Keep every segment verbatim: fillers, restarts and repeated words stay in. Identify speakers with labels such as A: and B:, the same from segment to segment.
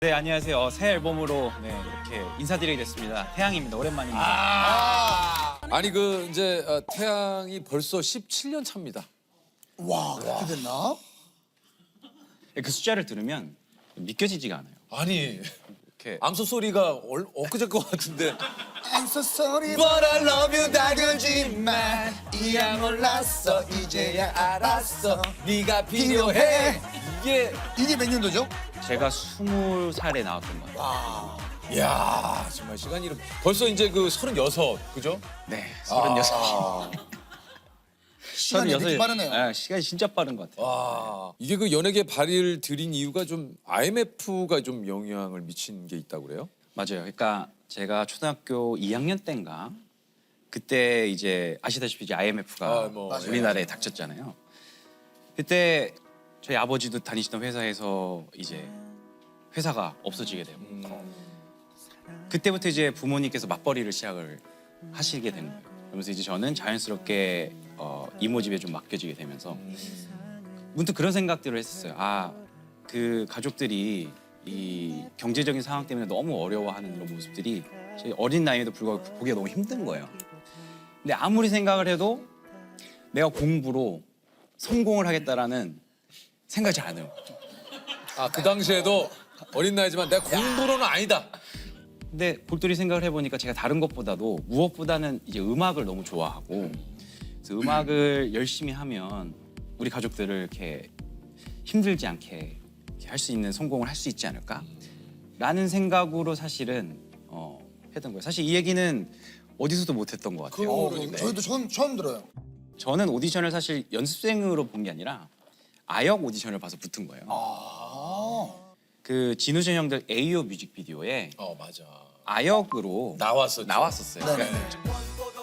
A: 네, 안녕하세요. 어, 새 앨범으로 네, 이렇게 인사드리게 됐습니다. 태양입니다. 오랜만입니다.
B: 아 아니 그 이제 어, 태양이 벌써 십칠 년 차입니다.
C: 와, 그렇게 됐나?
A: 그 숫자를 들으면 믿겨지지가 않아요.
B: 아니
A: 이렇게
B: 암소 소리가 얼, 엊그제 것 같은데.
C: I'm so sorry
B: But I love you 다그지만 이야 몰랐어 이제야 알았어 네가 필요해. 이게
C: 이게 몇 년도죠?
A: 제가 스물 살에 나왔던 것 같아요.
C: 와,
B: 야 정말 시간이 이렇게 벌써 이제 그 서른여섯 그죠?
A: 네, 서른여섯.
B: 아,
C: 시간이 이렇게 빠르네요.
A: 아, 시간이 진짜 빠른 것 같아요.
B: 와 이게 그 연예계 발의를 들인 이유가 좀 아이엠에프가 좀 영향을 미친 게 있다고 그래요?
A: 맞아요. 그러니까 제가 초등학교 이 학년 때인가 그때 이제 아시다시피 이제 아이엠에프가
B: 아, 뭐,
C: 맞아요.
A: 우리나라에 닥쳤잖아요. 그때 저희 아버지도 다니시던 회사에서 이제 회사가 없어지게 되고 그때부터 이제 부모님께서 맞벌이를 시작을 하시게 된 거예요. 그러면서 이제 저는 자연스럽게 어, 이모 집에 좀 맡겨지게 되면서 문득 그런 생각들을 했었어요. 아, 그 가족들이 이 경제적인 상황 때문에 너무 어려워하는 이런 모습들이 저희 어린 나이에도 불구하고 보기가 너무 힘든 거예요. 근데 아무리 생각을 해도 내가 공부로 성공을 하겠다라는 생각이 잘 안 해요.
B: 아 그 당시에도 어린 나이지만 내가 공부로는 아니다.
A: 근데 볼돌이 생각을 해보니까 제가 다른 것보다도 무엇보다는 이제 음악을 너무 좋아하고 그래서 음악을 열심히 하면 우리 가족들을 이렇게 힘들지 않게 할 수 있는 성공을 할 수 있지 않을까라는 생각으로 사실은 어, 했던 거예요. 사실 이 얘기는 어디서도 못했던 것 같아요.
C: 어,
B: 그러니까.
C: 저희도 처음, 처음 들어요.
A: 저는 오디션을 사실 연습생으로 본 게 아니라 아역 오디션을 봐서 붙은 거예요.
C: 아,
A: 그 진우준 형들 에이오 뮤직비디오에
B: 어 맞아.
A: 아역으로
B: 나왔었죠.
A: 나왔었어요.
C: 네네.
A: 그러니까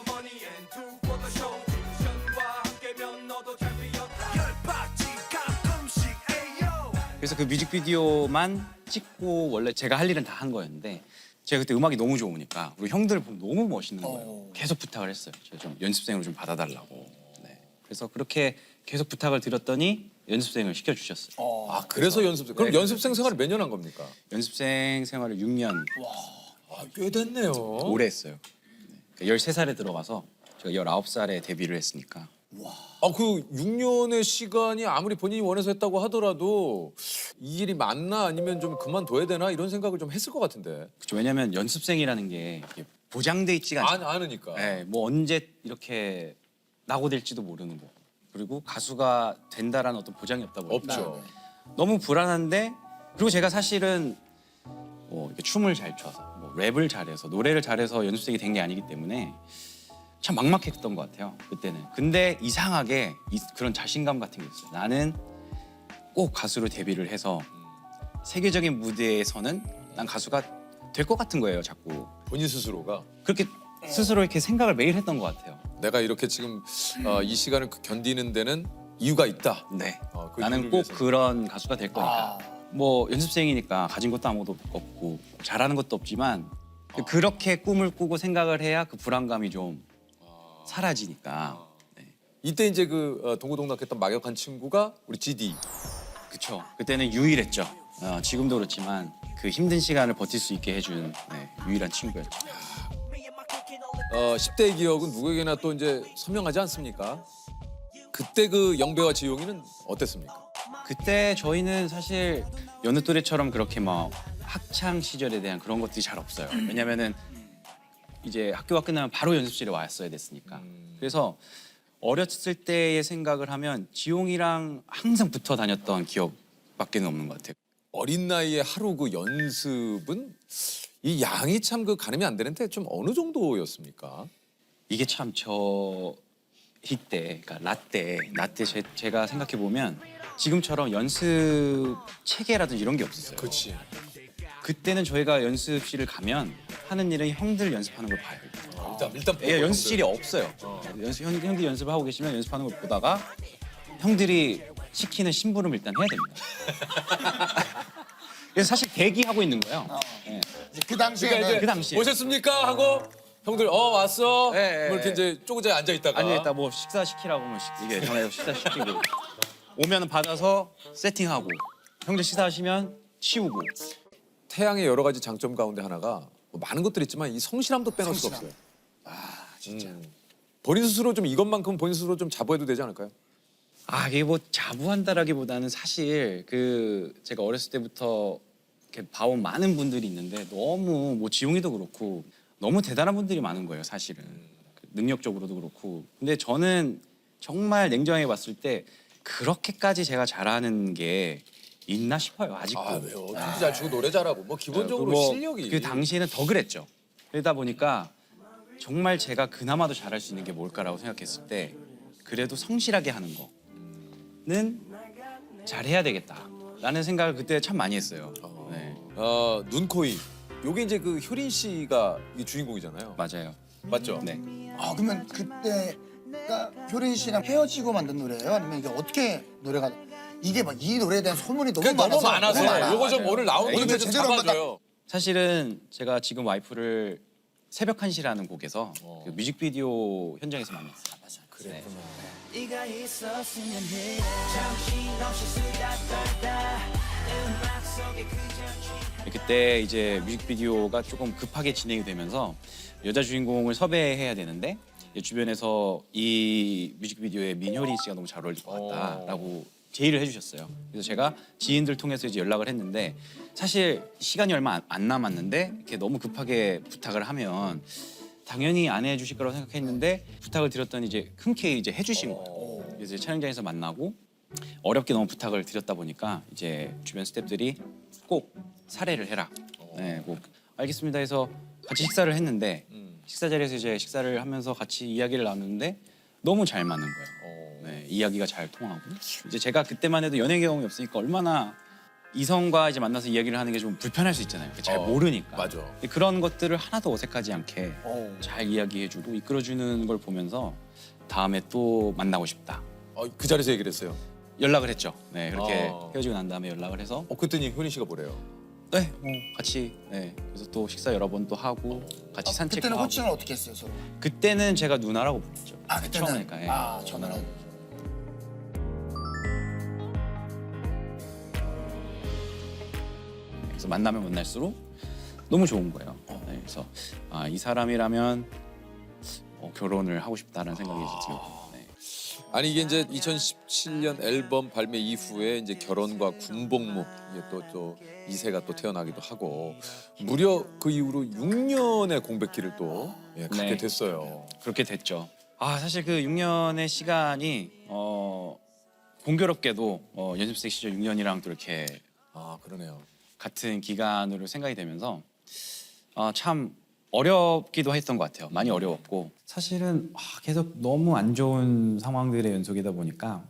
A: 그래서 그 뮤직비디오만 찍고 원래 제가 할 일은 다 한 거였는데 제가 그때 음악이 너무 좋으니까 우리 형들 보면 너무 멋있는 거예요.
C: 어.
A: 계속 부탁을 했어요. 제가 좀 연습생으로 좀 받아달라고. 네. 그래서 그렇게 계속 부탁을 드렸더니 연습생을 시켜주셨어요.
C: 어.
B: 아 그래서 연습생. 그럼
A: 네,
B: 연습생 생활을 몇 년 한 겁니까?
A: 연습생 생활을 육 년
B: 아, 꽤 됐네요.
A: 오래 했어요. 네. 그러니까 열세 살에 들어가서 제가 열아홉 살에 데뷔를 했으니까
B: 아 그 육 년의 시간이 아무리 본인이 원해서 했다고 하더라도 이 일이 맞나 아니면 좀 그만둬야 되나 이런 생각을 좀 했을 것 같은데.
A: 그렇죠. 왜냐하면 연습생이라는 게 이게 보장돼 있지가
B: 아,
A: 않아요.
B: 아느니까.
A: 네, 뭐 언제 이렇게 낙오될지도 모르는 거고 그리고 가수가 된다라는 어떤 보장이 없다 보니까
B: 없죠.
A: 너무 불안한데 그리고 제가 사실은 뭐 이렇게 춤을 잘 춰서 뭐 랩을 잘해서 노래를 잘해서 연습생이 된 게 아니기 때문에 참 막막했던 것 같아요 그때는. 근데 이상하게 이, 그런 자신감 같은 게 있어요. 나는 꼭 가수로 데뷔를 해서 세계적인 무대에서는 난 가수가 될 것 같은 거예요 자꾸.
B: 본인 스스로가
A: 그렇게 스스로 이렇게 생각을 매일 했던 것 같아요.
B: 내가 이렇게 지금 어, 이 시간을 견디는 데는 이유가 있다.
A: 네.
B: 어, 그
A: 나는
B: 이유를
A: 꼭
B: 위해서.
A: 그런 가수가 될 거니까.
C: 아.
A: 뭐 연습생이니까 가진 것도 아무것도 없고 잘하는 것도 없지만 그렇게 꿈을 꾸고 생각을 해야 그 불안감이 좀 사라지니까. 네.
B: 이때 이제 그 어, 동고동락했던 막역한 친구가 우리 지디.
A: 그쵸. 그때는 유일했죠. 어, 지금도 그렇지만 그 힘든 시간을 버틸 수 있게 해준 네, 유일한 친구였죠.
B: 어, 십 대의 기억은 누구에게나 또 이제 선명하지 않습니까? 그때 그 영배와 지용이는 어땠습니까?
A: 그때 저희는 사실 여느 또래처럼 그렇게 막 학창 시절에 대한 그런 것들이 잘 없어요. 왜냐면은 이제 학교가 끝나면 바로 연습실에 왔어야 됐으니까. 그래서 어렸을 때의 생각을 하면 지용이랑 항상 붙어 다녔던 기억밖에는 없는 것 같아요.
B: 어린 나이에 하루 그 연습은 이 양이 참 그 가늠이 안 되는데 좀 어느 정도였습니까?
A: 이게 참 저 이때, 그러니까 라떼, 라떼 제, 제가 생각해 보면 지금처럼 연습 체계라든지 이런 게 없었어요.
B: 그렇지.
A: 그때는 저희가 연습실을 가면 하는 일은 형들 연습하는 걸 봐요.
B: 일단 일단
A: 예, 연습실이 없어요. 연습 형, 형들이 연습을 하고 계시면 연습하는 걸 보다가 형들이 시키는 심부름을 일단 해야 됩니다. 그래서 사실 대기하고 있는 거예요. 예.
C: 그 당시에는
B: 그러니까 이제
A: 그 당시에.
B: 오셨습니까 하고 형들 어 왔어.
A: 예, 예,
B: 뭐 이렇게
A: 예.
B: 이제 쪼그자 앉아 있다가.
A: 아니 일단 뭐 식사 시키라고 하면 시- 이게 전화해서 식사 시키고 오면 받아서 세팅하고 형들 식사하시면 치우고
B: 태양의 여러 가지 장점 가운데 하나가 뭐 많은 것들이 있지만 이 성실함도 빼놓을 수가
C: 성실함.
B: 없어요. 아 진짜. 본인 스스로 좀 이것만큼 본인 스스로 좀 자부해도 되지 않을까요?
A: 아 이게 뭐 자부한다라기보다는 사실 그 제가 어렸을 때부터 이렇게 봐온 많은 분들이 있는데 너무 뭐 지용이도 그렇고 너무 대단한 분들이 많은 거예요 사실은 능력적으로도 그렇고. 근데 저는 정말 냉정하게 봤을 때 그렇게까지 제가 잘하는 게 있나 싶어요 아직도.
B: 아 왜요? 춤도 잘 추고 노래 잘하고 뭐 기본적으로
A: 뭐
B: 실력이.
A: 그 당시에는 더 그랬죠. 그러다 보니까 정말 제가 그나마도 잘할 수 있는 게 뭘까라고 생각했을 때 그래도 성실하게 하는 거는 잘해야 되겠다라는 생각을 그때 참 많이 했어요. 네,
B: 어, 눈코입. 요게 이제 그 효린 씨가 이 주인공이잖아요.
A: 맞아요.
B: 맞죠?
A: 네.
C: 아 그러면 그때가 효린 씨랑 헤어지고 만든 노래예요? 아니면 이게 어떻게 노래가 이게 막 이 노래에 대한 소문이 너무
B: 그게 너무
C: 많아서
B: 많아서
C: 너무 많아.
B: 요거 좀 오늘 나오는
C: 오늘
B: 김에 좀
C: 제대로 한번
B: 잡아줘요.
A: 사실은 제가 지금 와이프를 새벽 한 시라는 곡에서
B: 어.
A: 그 뮤직비디오 현장에서 만났어요.
B: 그래.
D: 네가 있었으면 해 정신없이 수다 떨다 음악 속에 그저
A: 그때 이제 뮤직비디오가 조금 급하게 진행이 되면서 여자 주인공을 섭외해야 되는데 이제 주변에서 이 뮤직비디오에 민효린 씨가 너무 잘 어울릴 것 같다라고 제의를 해주셨어요. 그래서 제가 지인들 통해서 이제 연락을 했는데 사실 시간이 얼마 안- 안 남았는데 이렇게 너무 급하게 부탁을 하면 당연히 안 해주실 거라고 생각했는데 부탁을 드렸더니 이제 흔쾌히 이제 해주신 거예요. 그래서 이제 촬영장에서 만나고 어렵게 너무 부탁을 드렸다 보니까 이제 주변 스태프들이 꼭 살해를 해라. 네, 꼭 알겠습니다 해서 같이 식사를 했는데 식사 자리에서 이제 식사를 하면서 같이 이야기를 나누는데 너무 잘 맞는 거예요. 네, 이야기가 잘 통하고 이제 제가 그때만 해도 연애 경험이 없으니까 얼마나 이성과 이제 만나서 이야기를 하는 게 좀 불편할 수 있잖아요. 잘
B: 어,
A: 모르니까.
B: 맞아.
A: 근데 그런 것들을 하나도 어색하지 않게
C: 어.
A: 잘 이야기해주고 이끌어주는 걸 보면서 다음에 또 만나고 싶다.
B: 어, 그 자리에서 얘기를 했어요.
A: 연락을 했죠. 네, 그렇게
B: 어.
A: 헤어지고 난 다음에 연락을 해서
B: 어 그랬더니 효린 씨가 뭐래요?
A: 네, 뭐 같이 네, 그래서 또 식사 여러 번 또 하고 같이 산책도
C: 그때는
A: 하고.
C: 호칭을 어떻게 했어요 서로?
A: 그때는 제가 누나라고 불렀죠.
C: 아 그때는
A: 처음이니까. 예.
C: 아 저는
A: 그래서 만나면 만날수록 너무 좋은 거예요. 네, 그래서 아, 이 사람이라면 어, 결혼을 하고 싶다라는 생각이 이제 들고. 네.
B: 아니 이게 이제 이천십칠 년 앨범 발매 이후에 이제 결혼과 군복무 이게 또 또 이세가 또 태어나기도 하고 무려 그 이후로 육 년의 공백기를 또 예, 갖게
A: 네.
B: 됐어요.
A: 그렇게 됐죠. 아 사실 그 육 년의 시간이 어, 공교롭게도 어, 연습생 시절 육 년이랑 또 이렇게
B: 아 그러네요.
A: 같은 기간으로 생각이 되면서 아, 참 어렵기도 했던 것 같아요. 많이 어려웠고 사실은 아, 계속 너무 안 좋은 상황들의 연속이다 보니까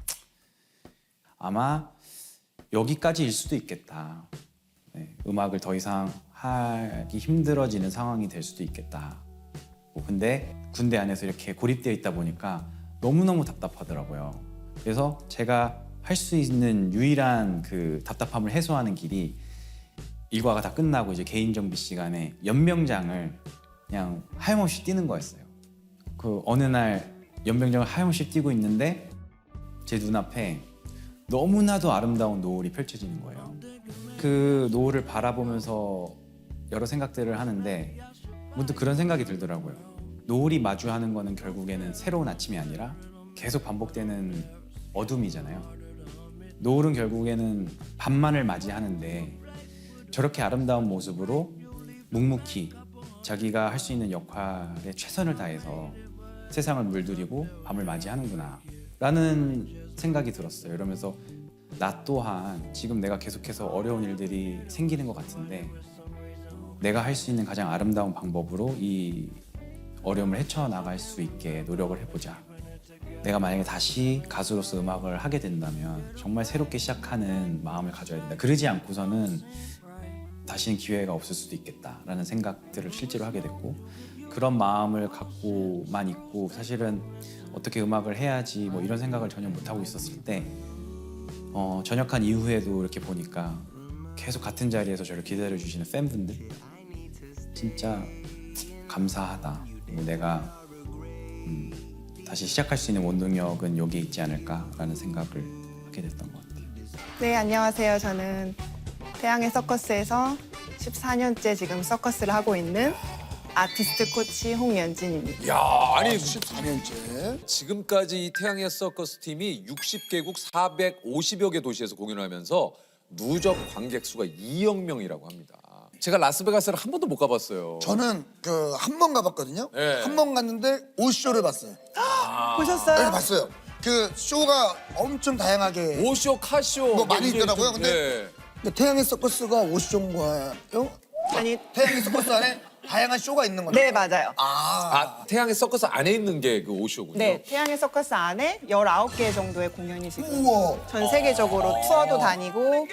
A: 아마 여기까지일 수도 있겠다. 네, 음악을 더 이상 하기 힘들어지는 상황이 될 수도 있겠다. 뭐 근데 군대 안에서 이렇게 고립되어 있다 보니까 너무너무 답답하더라고요. 그래서 제가 할 수 있는 유일한 그 답답함을 해소하는 길이 일과가 다 끝나고 이제 개인 정비 시간에 연병장을 그냥 하염없이 뛰는 거였어요. 그 어느 날 연병장을 하염없이 뛰고 있는데 제 눈앞에 너무나도 아름다운 노을이 펼쳐지는 거예요. 그 노을을 바라보면서 여러 생각들을 하는데 문득 그런 생각이 들더라고요. 노을이 마주하는 거는 결국에는 새로운 아침이 아니라 계속 반복되는 어둠이잖아요. 노을은 결국에는 밤만을 맞이하는데 저렇게 아름다운 모습으로 묵묵히 자기가 할 수 있는 역할에 최선을 다해서 세상을 물들이고 밤을 맞이하는구나 라는 생각이 들었어요. 이러면서 나 또한 지금 내가 계속해서 어려운 일들이 생기는 것 같은데 내가 할 수 있는 가장 아름다운 방법으로 이 어려움을 헤쳐나갈 수 있게 노력을 해보자. 내가 만약에 다시 가수로서 음악을 하게 된다면 정말 새롭게 시작하는 마음을 가져야 된다. 그러지 않고서는 다시는 기회가 없을 수도 있겠다라는 생각들을 실제로 하게 됐고 그런 마음을 갖고만 있고 사실은 어떻게 음악을 해야지 뭐 이런 생각을 전혀 못하고 있었을 때 어, 전역한 이후에도 이렇게 보니까 계속 같은 자리에서 저를 기다려주시는 팬분들 진짜 감사하다. 그리고 내가 음, 다시 시작할 수 있는 원동력은 여기에 있지 않을까라는 생각을 하게 됐던 것 같아요.
E: 네, 안녕하세요. 저는 태양의 서커스에서 십사 년째 지금 서커스를 하고 있는 아티스트 코치 홍연진입니다.
B: 야, 아니
C: 십사 년째.
B: 지금까지 이 태양의 서커스 팀이 육십 개국 사백오십여 개 도시에서 공연을 하면서 누적 관객 수가 이억 명이라고 합니다. 제가 라스베가스를 한 번도 못 가봤어요.
C: 저는 그 한 번 가봤거든요.
B: 네.
C: 한 번 갔는데 옷 쇼를 봤어요.
E: 보셨어요?
C: 네, 봤어요. 그 쇼가 엄청 다양하게
B: 오쇼, 카쇼
C: 뭐 많이
B: 이게
C: 있더라고요.
B: 좀-
C: 근데
B: 네.
C: 근데 태양의 서커스가 옷 쇼인가요?
E: 아니,
C: 태양의 서커스 안에 다양한 쇼가 있는 거죠?
E: 네, 맞아요.
C: 아,
B: 아, 태양의 서커스 안에 있는 게 그 오쇼군요.
E: 네, 태양의 서커스 안에 열아홉 개 정도의 공연이 지금
C: 우와.
E: 전 세계적으로 투어도 다니고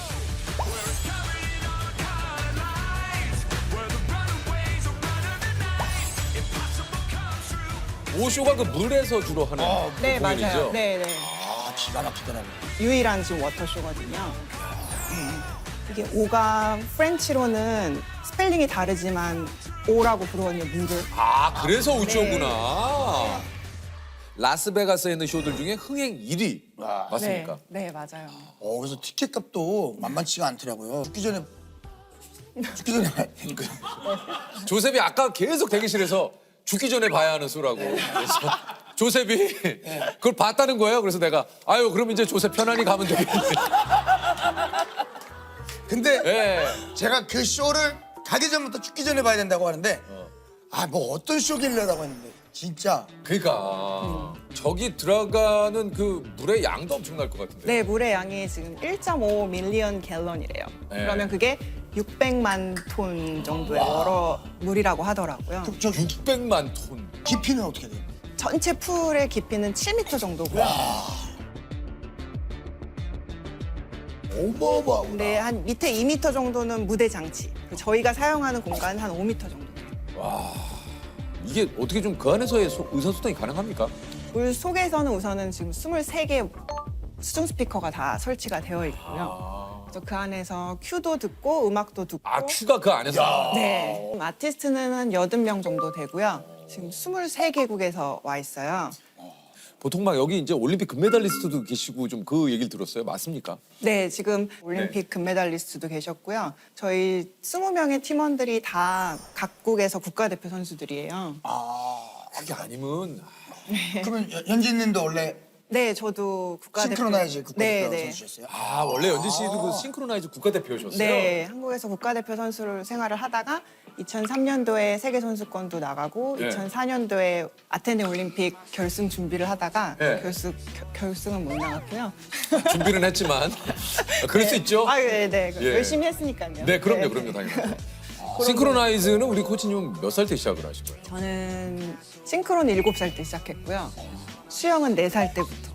B: 오쇼가 그 물에서 주로 하는 그
E: 네,
B: 공연이죠.
E: 맞아요. 네, 네.
C: 아, 기가 막히더라고요.
E: 유일한 지금 워터쇼거든요. 음. 이게 오가 프렌치로는 스펠링이 다르지만 오라고 부르거든요, 물을.
B: 아, 그래서
E: 네.
B: 오쇼구나. 라스베가스에 있는 쇼들 중에 흥행 일 위 맞습니까?
E: 네, 네, 맞아요.
C: 어, 그래서 티켓 값도 만만치가 않더라고요. 죽기 전에 죽기 전에
B: 조셉이 아까 계속 대기실에서 죽기 전에 봐야 하는 수라고. 그래서 조셉이 그걸 봤다는 거예요. 그래서 내가 아유 그럼 이제 조셉 편안히 가면 되겠네.
C: 근데
B: 예.
C: 제가 그 쇼를 가기 전부터 죽기 전에 봐야 된다고 하는데 아, 뭐 어떤 쇼길래라고 했는데 진짜
B: 그러니까 저기 들어가는 그 물의 양도 엄청날 것 같은데.
E: 네, 물의 양이 지금 일 점 오 밀리언 갤런이래요.
B: 네.
E: 그러면 그게 육백만 톤 정도의 워러 물이라고 하더라고요.
C: 그, 저
B: 육백만 톤.
C: 깊이는 어떻게 돼요?
E: 전체 풀의 깊이는 칠 미터 정도고요.
C: 어마어마하구나.
E: 근데 한 밑에 이 미터 정도는 무대 장치. 그리고 저희가 사용하는 공간은 한 오 미터 정도 돼요.
B: 이게 어떻게 좀 그 안에서의 소- 의사소통이 가능합니까?
E: 물 속에서는 우선은 지금 스물세 개 수중 스피커가 다 설치가 되어 있고요. 그래서 그 안에서 큐도 듣고 음악도 듣고.
B: 아 큐가 그 안에서.
E: 네. 아티스트는 한 여덟 명 정도 되고요. 지금 스물세 개국에서 와 있어요.
B: 보통 막 여기 이제 올림픽 금메달리스트도 계시고 좀 그 얘기를 들었어요. 맞습니까?
E: 네, 지금 올림픽
B: 네.
E: 금메달리스트도 계셨고요. 저희 스무 명의 팀원들이 다 각국에서 국가대표 선수들이에요.
B: 그게 아니면
C: 그러면 연- 연진님도 원래
E: 네, 저도 국가대표.
C: 싱크로나이즈 국가대표
E: 네, 네.
C: 선수셨어요?
B: 아 원래 연진 씨도 그 싱크로나이즈 국가대표셨어요?
E: 네, 한국에서 국가대표 선수로 생활을 하다가 이천삼 년도에 세계 선수권도 나가고
B: 네.
E: 이천사 년도에 아테네 올림픽 결승 준비를 하다가
B: 네.
E: 결승 겨- 결승은 못 나갔고요.
B: 준비는 했지만 그럴 수 있죠.
E: 아, 네, 네.
B: 예.
E: 열심히 했으니까요.
B: 네, 그럼요, 그럼요, 당연히. 싱크로나이즈는 우리 코치님 몇 살 때 시작을 하신 거예요?
E: 저는 싱크로는 일곱 살 때 시작했고요. 수영은 네 살 때부터.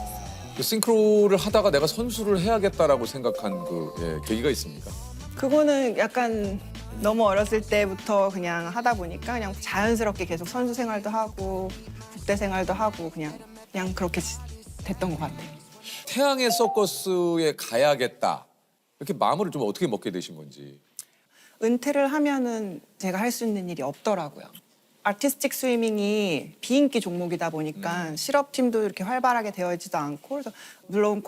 B: 그 싱크로를 하다가 내가 선수를 해야겠다라고 생각한 그 예, 계기가 있습니까?
E: 그거는 약간 너무 어렸을 때부터 그냥 하다 보니까 그냥 자연스럽게 계속 선수 생활도 하고 국대 생활도 하고 그냥 그냥 그렇게 지- 됐던 것 같아요.
B: 태양의 서커스에 가야겠다. 이렇게 마음을 좀 어떻게 먹게 되신 건지.
E: 은퇴를 하면은 제가 할 수 있는 일이 없더라고요. 아티스틱 스위밍이 비인기 종목이다 보니까 실업팀도 이렇게 활발하게 되어 있지도 않고 그래서 물론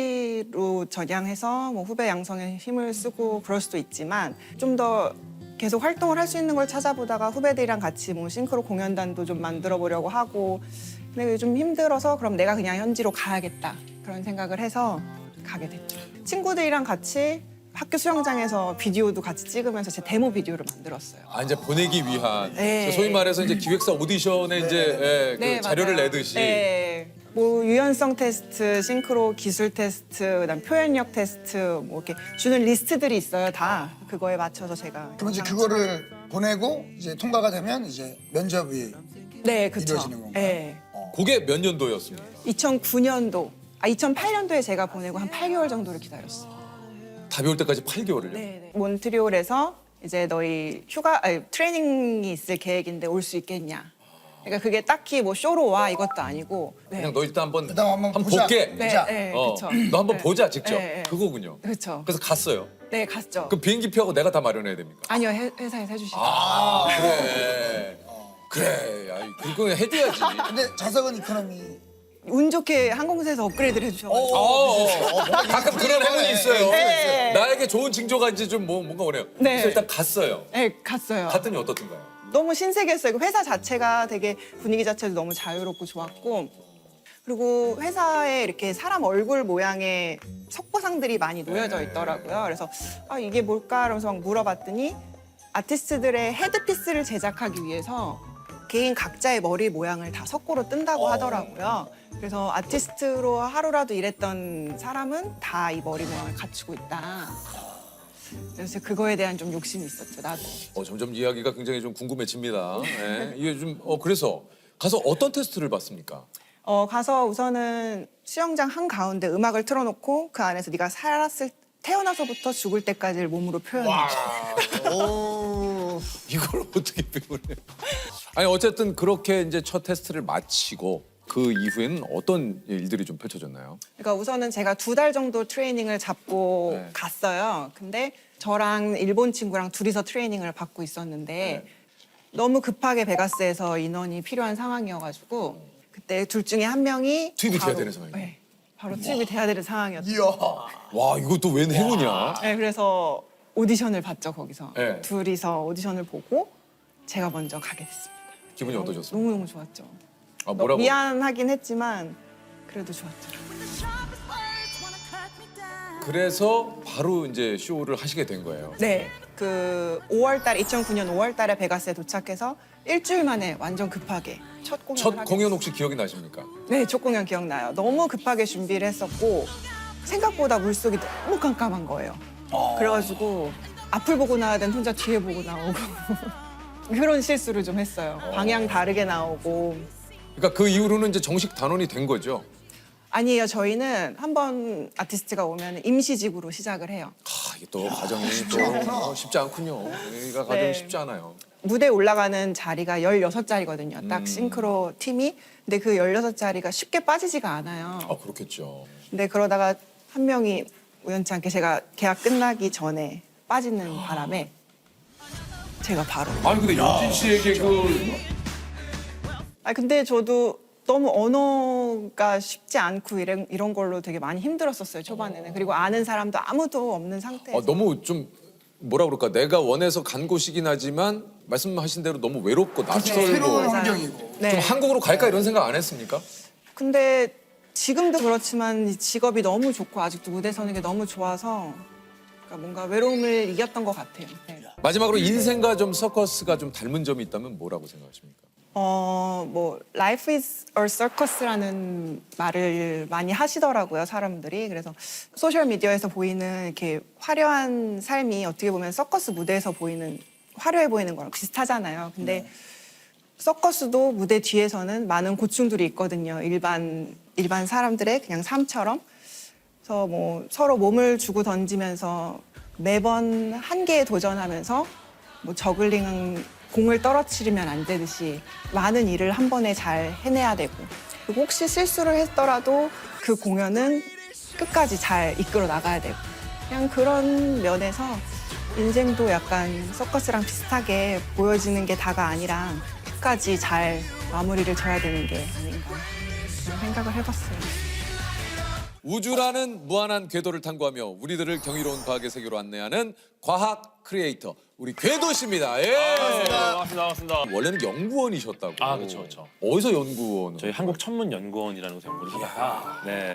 E: 코치로 전향해서 뭐 후배 양성에 힘을 쓰고 그럴 수도 있지만 좀 더 계속 활동을 할 수 있는 걸 찾아보다가 후배들이랑 같이 뭐 싱크로 공연단도 좀 만들어 보려고 하고 근데 좀 힘들어서 그럼 내가 그냥 현지로 가야겠다 그런 생각을 해서 가게 됐죠. 친구들이랑 같이 학교 수영장에서 비디오도 같이 찍으면서 제 데모 비디오를 만들었어요.
B: 아 이제 보내기 위한
E: 네.
B: 소위 말해서 이제 기획사 오디션에 이제 예, 그
E: 네,
B: 자료를
E: 맞아요.
B: 내듯이
E: 네. 뭐 유연성 테스트, 싱크로 기술 테스트, 그다음 표현력 테스트 뭐 이렇게 주는 리스트들이 있어요. 다 그거에 맞춰서 제가.
C: 그럼 이제
E: 영상
C: 그거를 보내고 이제 통과가 되면 이제 면접이
E: 찍- 네, 그렇죠.
C: 이루어지는 건가요?
E: 네.
B: 그게 몇 년도였습니까?
E: 이천구 년도, 아 이천팔 년도에 제가 보내고 한 팔 개월 정도를 기다렸어요.
B: 답이 올 때까지 팔 개월을요?
E: 네, 네. 몬트리올에서 이제 너희 휴가 아니, 트레이닝이 있을 계획인데 올 수 있겠냐. 그러니까 그게 딱히 뭐 쇼로 와 이것도 아니고. 네.
B: 그냥 너 일단 한번
C: 일단 한번 보자.
B: 볼게.
E: 네,
C: 자,
E: 네,
B: 어,
E: 그렇죠.
B: 너 한번
E: 네.
B: 보자 직접.
E: 네, 네.
B: 그거군요.
E: 그렇죠.
B: 그래서 갔어요.
E: 네, 갔죠.
B: 그 비행기 표하고 내가 다 마련해야 됩니까?
E: 아니요, 회, 회사에서 해주시죠.
B: 아 그래. 그래. 야, 그거 해줘야지.
C: 근데 자석은 이코노미
E: 운 좋게 항공사에서 업그레이드를 해주셔가지고
B: 어, 어, 어. 가끔 그런 행운이 있어요.
E: 네.
B: 나에게 좋은 징조가 이제 좀 뭐, 뭔가 오네요.
E: 네.
B: 그래서 일단 갔어요.
E: 네, 갔어요.
B: 갔더니 어떻던가요?
E: 너무 신세계였어요. 그 회사 자체가 되게 분위기 자체도 너무 자유롭고 좋았고, 그리고 회사에 이렇게 사람 얼굴 모양의 석고상들이 많이 놓여져 있더라고요. 그래서 아, 이게 뭘까? 이러면서 막 물어봤더니 아티스트들의 헤드피스를 제작하기 위해서 개인 각자의 머리 모양을 다 석고로 뜬다고 하더라고요. 그래서 아티스트로 하루라도 일했던 사람은 다 이 머리 모양을 갖추고 있다. 그래서 그거에 대한 좀 욕심이 있었죠, 나도.
B: 어, 점점 이야기가 굉장히 좀 궁금해집니다. 네. 이게 좀 어, 그래서 가서 어떤 테스트를 받습니까?
E: 어, 가서 우선은 수영장 한가운데 음악을 틀어놓고 그 안에서 네가 살았을 태어나서부터 죽을 때까지를 몸으로 표현해.
C: 오.
B: 이걸 어떻게 배우래요? 아니 어쨌든 그렇게 이제 첫 테스트를 마치고 그 이후에는 어떤 일들이 좀 펼쳐졌나요?
E: 그러니까 우선은 제가 두 달 정도 트레이닝을 잡고
B: 네.
E: 갔어요. 근데 저랑 일본 친구랑 둘이서 트레이닝을 받고 있었는데 너무 급하게 베가스에서 인원이 필요한 상황이어가지고 그때 둘 중에 한 명이
B: 투입이 돼야
E: 바로-
B: 되는 상황이에요?
E: 네, 바로 투입이 돼야 되는 상황이었죠.
C: 이야.
B: 와 이것도 웬 행운이야?
E: 네, 그래서 오디션을 봤죠, 거기서.
B: 네.
E: 둘이서 오디션을 보고 제가 먼저 가게 됐습니다.
B: 기분이 어떠셨어요?
E: 너무너무 좋았죠.
B: 아, 뭐라고?
E: 미안하긴 했지만 그래도 좋았죠.
B: 그래서 바로 이제 쇼를 하시게 된 거예요.
E: 네, 그 오월 달 이천구 년 오월 달에 베가스에 도착해서 일주일 만에 완전 급하게 첫 공연을
B: 첫
E: 하게
B: 공연
E: 됐어요.
B: 혹시 기억이 나십니까?
E: 네, 첫 공연 기억나요. 너무 급하게 준비를 했었고 생각보다 물속이 너무 깜깜한 거예요. 그래가지고 앞을 보고 나와야 되는 혼자 뒤에 보고 나오고 그런 실수를 좀 했어요. 방향 다르게 나오고.
B: 그러니까 그 이후로는 이제 정식 단원이 된 거죠.
E: 아니에요. 저희는 한 번 아티스트가 오면 임시직으로 시작을 해요.
B: 아, 이게 또 과정이 또 어, 쉽지 않군요. 여기가 과정이
E: 네.
B: 쉽지 않아요.
E: 무대에 올라가는 자리가 열여섯 자리거든요. 딱
B: 음.
E: 싱크로 팀이. 근데 그 열여섯 자리가 쉽게 빠지지가 않아요.
B: 아 그렇겠죠.
E: 근데 그러다가 한 명이 우연치 않게 제가 계약 끝나기 전에 빠지는 바람에 제가 바로.
B: 아니 근데 윤진 씨에게 그
E: 아 근데 저도 너무 언어가 쉽지 않고 이런, 이런 걸로 되게 많이 힘들었었어요, 초반에는. 그리고 아는 사람도 아무도 없는 상태에서.
B: 어, 너무 좀 뭐라 그럴까 내가 원해서 간 곳이긴 하지만 말씀하신 대로 너무 외롭고 낯설고
C: 새로운
E: 맞아요.
C: 환경이고.
E: 네.
B: 좀 한국으로 갈까 이런 생각 안 했습니까?
E: 근데 지금도 그렇지만 이 직업이 너무 좋고 아직도 무대 서는 게 너무 좋아서 그러니까 뭔가 외로움을 이겼던 것 같아요. 네.
B: 마지막으로 인생과 좀 서커스가 좀 닮은 점이 있다면 뭐라고 생각하십니까?
E: 어, 뭐 life is a circus라는 말을 많이 하시더라고요, 사람들이. 그래서 소셜 미디어에서 보이는 이렇게 화려한 삶이 어떻게 보면 서커스 무대에서 보이는 화려해 보이는 거랑 비슷하잖아요. 근데 서커스도 무대 뒤에서는 많은 고충들이 있거든요. 일반 일반 사람들의 그냥 삶처럼. 그래서 뭐 서로 몸을 주고 던지면서 매번 한계에 도전하면서 뭐 저글링은 공을 떨어뜨리면 안 되듯이 많은 일을 한 번에 잘 해내야 되고, 그리고 혹시 실수를 했더라도 그 공연은 끝까지 잘 이끌어 나가야 되고, 그냥 그런 면에서 인생도 약간 서커스랑 비슷하게 보여지는 게 다가 아니라 끝까지 잘 마무리를 져야 되는 게 아닌가 그런 생각을 해봤어요.
B: 우주라는 무한한 궤도를 탐구하며 우리들을 경이로운 과학의 세계로 안내하는 과학 크리에이터 우리 궤도 씨입니다. 예.
F: 반갑습니다. 반갑습니다.
B: 원래는 연구원이셨다고.
F: 아, 그쵸, 그쵸.
B: 어디서 연구원?
F: 저희 한국천문연구원이라는 곳에 연구를 하다가 네.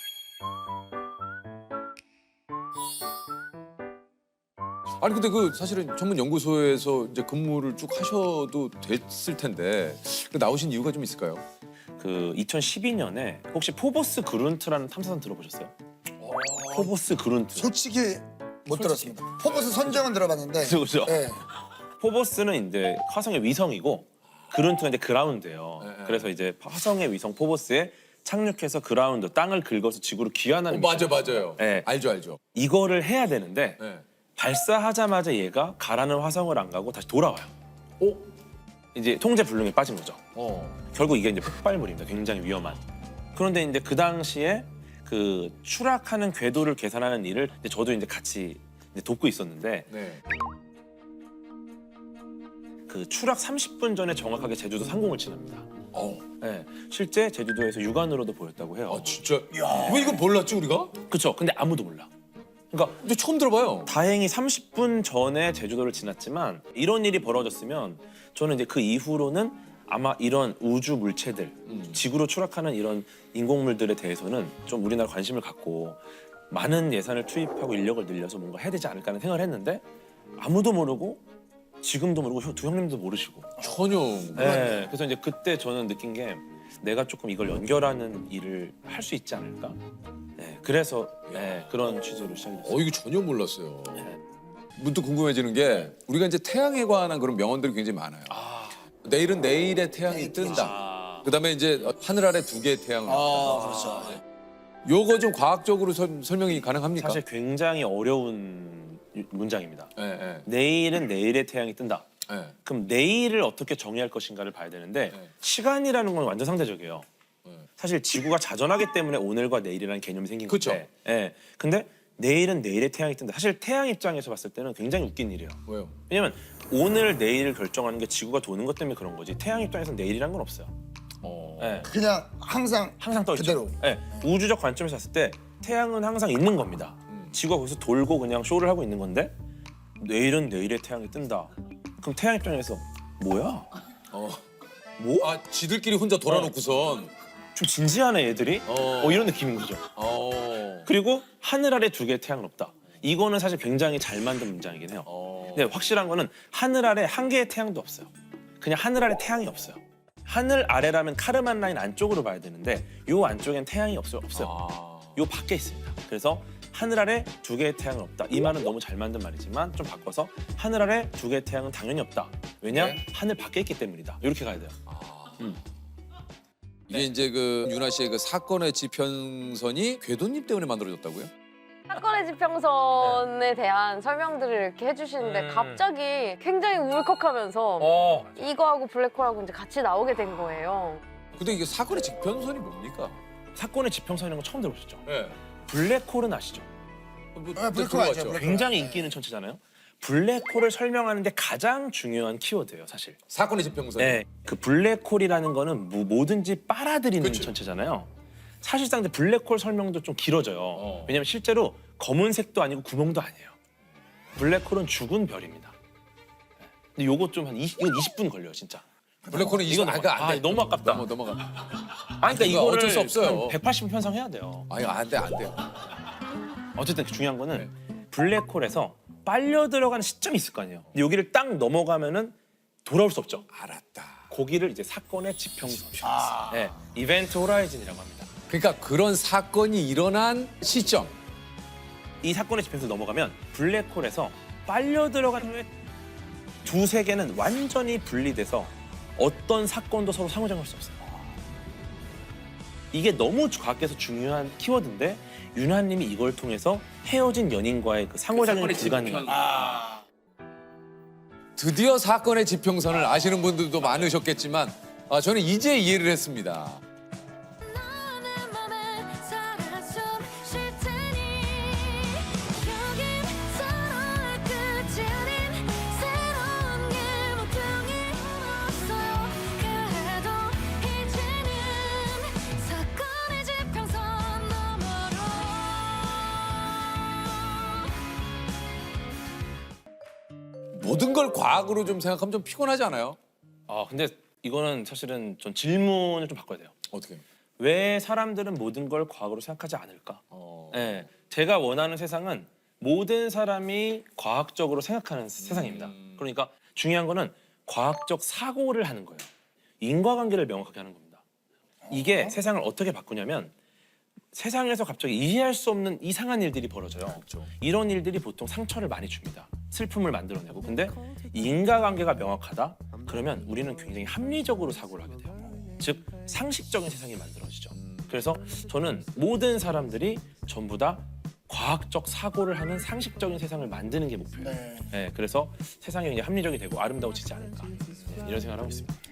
B: 아니 근데 그 사실은 전문 연구소에서 이제 근무를 쭉 하셔도 됐을 텐데 그 나오신 이유가 좀 있을까요?
F: 그 이천십이 년에 혹시 포보스 그룬트라는 탐사선 들어보셨어요? 포보스 그룬트.
C: 솔직히 못 들었습니다. 포버스 선정은 들어봤는데.
F: 그죠, 그죠.
C: 네.
F: 포보스는 이제 화성의 위성이고 그룬트가 이제 그라운드예요.
B: 네, 네.
F: 그래서 이제 화성의 위성 포보스에 착륙해서 그라운드 땅을 긁어서 지구로 귀환하는
B: 어, 맞아
F: 미션.
B: 맞아요.
F: 네.
B: 알죠 알죠.
F: 이거를 해야 되는데
B: 네.
F: 발사하자마자 얘가 가라는 화성을 안 가고 다시 돌아와요.
B: 오?
F: 이제 통제 불능에 빠진 거죠.
B: 어.
F: 결국 이게 이제 폭발물입니다. 굉장히 위험한. 그런데 이제 그 당시에 그 추락하는 궤도를 계산하는 일을 이제 저도 이제 같이 이제 돕고 있었는데
B: 네.
F: 그 추락 삼십 분 전에 정확하게 제주도 상공을 지납니다.
B: 어.
F: 네, 실제 제주도에서 육안으로도 보였다고 해요.
B: 아 진짜. 왜 이거 몰랐지 우리가?
F: 그렇죠. 근데 아무도 몰라. 그러니까
B: 근데 처음 들어봐요.
F: 다행히 삼십 분 전에 제주도를 지났지만 이런 일이 벌어졌으면 저는 이제 그 이후로는 아마 이런 우주 물체들, 지구로 추락하는 이런 인공물들에 대해서는 좀 우리나라 관심을 갖고 많은 예산을 투입하고 인력을 늘려서 뭔가 해야 되지 않을까 하는 생각을 했는데 아무도 모르고 지금도 모르고 형- 두 형님도 모르시고.
B: 전혀.
F: 네, 그래서 이제 그때 저는 느낀 게 내가 조금 이걸 연결하는 일을 할 수 있지 않을까. 네, 그래서 네, 그런 취지로 시작했어요.
B: 어 이거 전혀 몰랐어요.
F: 네.
B: 문득 궁금해지는 게 우리가 이제 태양에 관한 그런 명언들이 굉장히 많아요. 내일은 내일의 태양이 뜬다. 그다음에 이제 하늘 아래 두 개의 태양을.
C: 아, 그렇죠.
B: 요거 좀 과학적으로 설, 설명이 가능합니까?
F: 사실 굉장히 어려운 문장입니다.
B: 예, 예,
F: 내일은 내일의 태양이 뜬다.
B: 예.
F: 그럼 내일을 어떻게 정의할 것인가를 봐야 되는데
B: 네.
F: 시간이라는 건 완전 상대적이에요.
B: 네.
F: 사실 지구가 자전하기 때문에 오늘과 내일이라는 개념이 생긴
B: 그쵸.
F: 건데. 예. 근데 내일은 내일의 태양이 뜬다. 사실 태양 입장에서 봤을 때는 굉장히 웃긴 일이에요.
B: 왜요?
F: 왜냐면 오늘 내일을 결정하는 게 지구가 도는 것 때문에 그런 거지. 태양 입장에서는 내일이란 건 없어요.
B: 어.
F: 예.
C: 그냥 항상
F: 항상 떠 있죠.
C: 그대로.
F: 예. 우주적 관점에서 봤을 때 태양은 항상 있는 겁니다. 지구가 거기서 돌고 그냥 쇼를 하고 있는 건데 내일은 내일의 태양이 뜬다. 그럼 태양 입장에서 뭐야?
B: 어.
F: 뭐?
B: 아 지들끼리 혼자 돌아놓고선.
F: 좀 진지하네 얘들이.
B: 어.
F: 어, 이런 느낌인 거죠.
B: 어.
F: 그리고 하늘 아래 두 개의 태양은 없다. 이거는 사실 굉장히 잘 만든 문장이긴 해요.
B: 어.
F: 근데 확실한 거는 하늘 아래 한 개의 태양도 없어요. 그냥 하늘 아래 태양이 없어요. 하늘 아래라면 카르만 라인 안쪽으로 봐야 되는데 요 안쪽엔 태양이 없어요. 없어요.
B: 아.
F: 요 밖에 있습니다. 그래서 하늘 아래 두 개의 태양은 없다. 이 말은 너무 잘 만든 말이지만 좀 바꿔서 하늘 아래 두 개의 태양은 당연히 없다. 왜냐?
B: 네.
F: 하늘 밖에 있기 때문이다. 이렇게 가야 돼요.
B: 이게 이제 그 윤아 씨의 그 사건의 지평선이 궤도님 때문에 만들어졌다고요?
G: 사건의 지평선에 대한 설명들을 이렇게 해주시는데
F: 음.
G: 갑자기 굉장히 울컥하면서
F: 어.
G: 이거하고 블랙홀하고 이제 같이 나오게 된 거예요.
B: 근데 이게 사건의 지평선이 뭡니까?
F: 사건의 지평선이라는 거 처음 들어보셨죠?
B: 네.
F: 블랙홀은 아시죠?
B: 뭐,
C: 아, 블랙홀
B: 들어봤죠.
C: 알죠, 블랙홀.
F: 굉장히 인기 있는 천체잖아요. 블랙홀을 설명하는데 가장 중요한 키워드예요, 사실.
B: 사건의 지평선.
F: 네, 그 블랙홀이라는 거는 뭐, 뭐든지 빨아들이는
B: 그치.
F: 천체잖아요. 사실상 근데 블랙홀 설명도 좀 길어져요.
B: 어.
F: 왜냐면 실제로 검은색도 아니고 구멍도 아니에요. 블랙홀은 죽은 별입니다. 근데 요거 좀 한 이십, 이건 이십 분 걸려요, 진짜.
B: 블랙홀은 이거
F: 이건
B: 아,
F: 넘어-
B: 그안 돼.
F: 아, 너무 아깝다.
B: 넘어 넘어가.
F: 아니, 그러니까
B: 이거
F: 이거를
B: 어쩔 수 없어요.
F: 한 백팔십 분 편성해야 돼요.
B: 아니 안 돼, 안 돼.
F: 어쨌든 중요한 거는 블랙홀에서 빨려 들어가는 시점이 있을 거 아니에요. 근데 여기를 딱 넘어가면은 돌아올 수 없죠.
B: 알았다.
F: 거기를 이제 사건의 지평선, 네, 이벤트 호라이즌이라고 합니다.
B: 그러니까 그런 사건이 일어난 시점.
F: 이 사건의 지평선 넘어가면 블랙홀에서 빨려 들어간 후에 두 세계는 완전히 분리돼서 어떤 사건도 서로 상호작용할 수 없어요. 이게 너무 과학에서 중요한 키워드인데 윤하님이 이걸 통해서 헤어진 연인과의 그 상호작용이 불가능한.
B: 드디어 사건의 지평선을 아시는 분들도 많으셨겠지만 아, 저는 이제 이해를 했습니다.
H: 너는 맘에 살아 좀 쉴 테니 여긴 서로의 끝이 아닌 새로운 게 목표이 없어요. 그래도 이제는 사건의 지평선 너머로
B: 모든 걸 과학으로 좀 생각하면 좀 피곤하지 않아요?
F: 아 근데 이거는 사실은 전 질문을 좀 바꿔야 돼요.
B: 어떻게?
F: 왜 사람들은 모든 걸 과학으로 생각하지 않을까?
B: 어.
F: 네, 제가 원하는 세상은 모든 사람이 과학적으로 생각하는 세상입니다. 그러니까 중요한 거는 과학적 사고를 하는 거예요. 인과관계를 명확하게 하는 겁니다. 이게 세상을 어떻게 바꾸냐면 세상에서 갑자기 이해할 수 없는 이상한 일들이 벌어져요. 이런 일들이 보통 상처를 많이 줍니다. 슬픔을 만들어내고. 근데 인과관계가 명확하다? 그러면 우리는 굉장히 합리적으로 사고를 하게 돼요. 즉 상식적인 세상이 만들어지죠. 그래서 저는 모든 사람들이 전부 다 과학적 사고를 하는 상식적인 세상을 만드는 게 목표예요.
C: 네.
F: 네, 그래서 세상이 이제 합리적이 되고 아름다워지지 않을까 네, 이런 생각을 하고 있습니다.